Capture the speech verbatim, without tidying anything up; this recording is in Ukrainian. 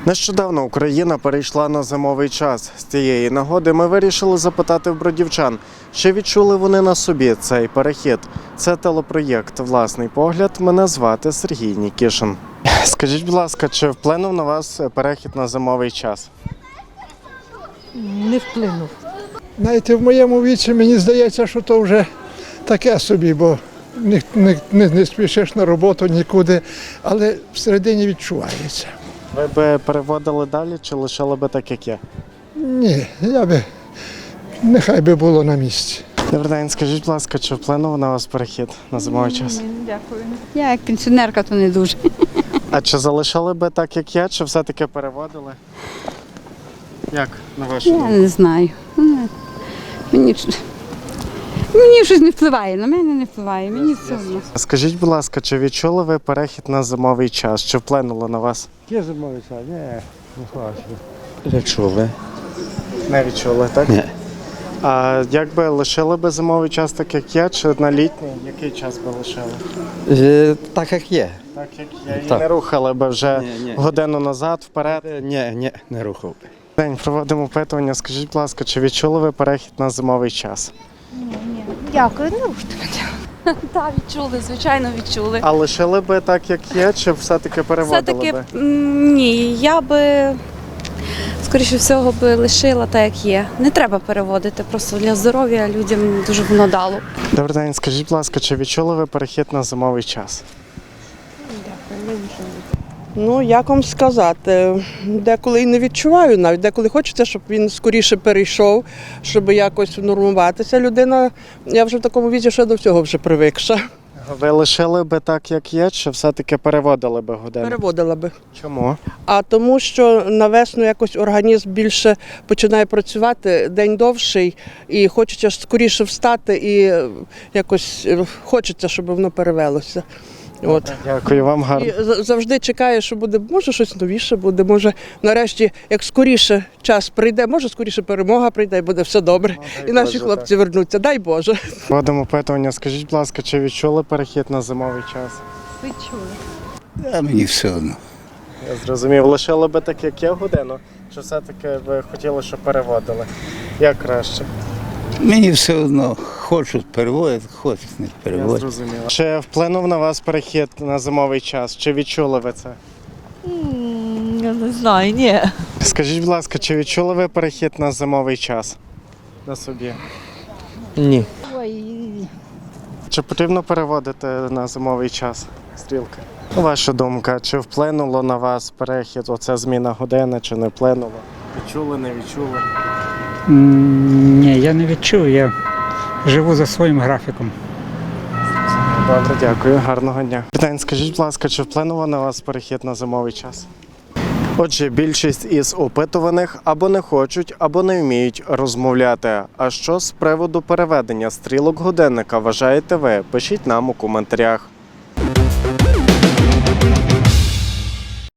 Нещодавно Україна перейшла на зимовий час. З цієї нагоди ми вирішили запитати в бродівчан, чи відчули вони на собі цей перехід. Це телепроєкт «Власний погляд». Мене звати Сергій Нікішин. Скажіть, будь ласка, чи вплинув на вас перехід на зимовий час? Не вплинув. Знаєте, в моєму віці мені здається, що то вже таке собі, бо не, не, не, не спішиш на роботу нікуди, але всередині відчувається. Ви би переводили далі чи лишили би так, як є? Ні, я би, нехай би було на місці. Добрий день, скажіть, будь ласка, чи вплинув на вас перехід на зимовий час? Дякую. Я як пенсіонерка, то не дуже. А чи залишили би так, як є, чи все-таки переводили? Як, на вашу Я думку? не знаю. Мені, мені щось не впливає, на мене не впливає, мені все одно. Скажіть, будь ласка, чи відчули ви перехід на зимовий час? Чи вплинуло на вас? Є зимовий час? Ні, не бачу. Відчули. Не відчули, так? Ні. А як би лишили би зимовий час так, як є, чи на літній? Який час би лишили? Е, Так як є. Так, як є. І Так. не рухали би вже Ні, ні. годину назад, вперед? Е, Ні, ні, не рухав. День, проводимо опитування. Скажіть, будь ласка, чи відчули ви перехід на зимовий час? Дякую, не руште. Так, відчули, звичайно, відчули. А лишили би так, як є, чи все-таки переводили Все-таки би? м, ні, я би, скоріше всього, би лишила так, як є. Не треба переводити, просто для здоров'я людям дуже воно дало. Добрий день, скажіть, будь ласка, чи відчули ви перехід на зимовий час? Ну, як вам сказати, деколи і не відчуваю навіть, деколи хочеться, щоб він скоріше перейшов, щоб якось нормуватися. Людина, я вже в такому віці, що до всього вже привикша. Ви лишили би так, як є, чи все-таки переводили би годину? Переводила би. Чому? А тому, що на весну якось організм більше починає працювати, день довший, і хочеться скоріше встати, і якось хочеться, щоб воно перевелося. От. Дякую вам, гарно. І за- завжди чекає, що буде, може щось новіше буде, може нарешті, як скоріше час прийде, може скоріше перемога прийде і буде все добре. дай І наші Боже, хлопці вернуться, дай Боже. Проводимо опитування. Скажіть, будь ласка, чи відчули перехід на зимовий час? А мені все одно. Я зрозумів. Лишили би так, як є годину, чи все-таки ви хотіли, щоб переводили? Як краще? Мені все одно. Хочуть переводять, хочуть не Я переводять. зрозумів. Чи вплинув на вас перехід на зимовий час? Чи відчули ви це? Я не знаю, ні. Скажіть, будь ласка, чи відчули ви перехід на зимовий час? На собі. Ні. Чи потрібно переводити на зимовий час стрілки? Ваша думка, чи вплинуло на вас перехід, оця зміна години, чи не вплинуло? Відчули, не відчули? М, Ні, я не відчув, я живу за своїм графіком. Добре, дякую, гарного дня. День, скажіть, будь ласка, чи вплинуло на вас перехід на зимовий час? Отже, більшість із опитуваних або не хочуть, або не вміють розмовляти. А що з приводу переведення стрілок годинника вважаєте ви? Пишіть нам у коментарях.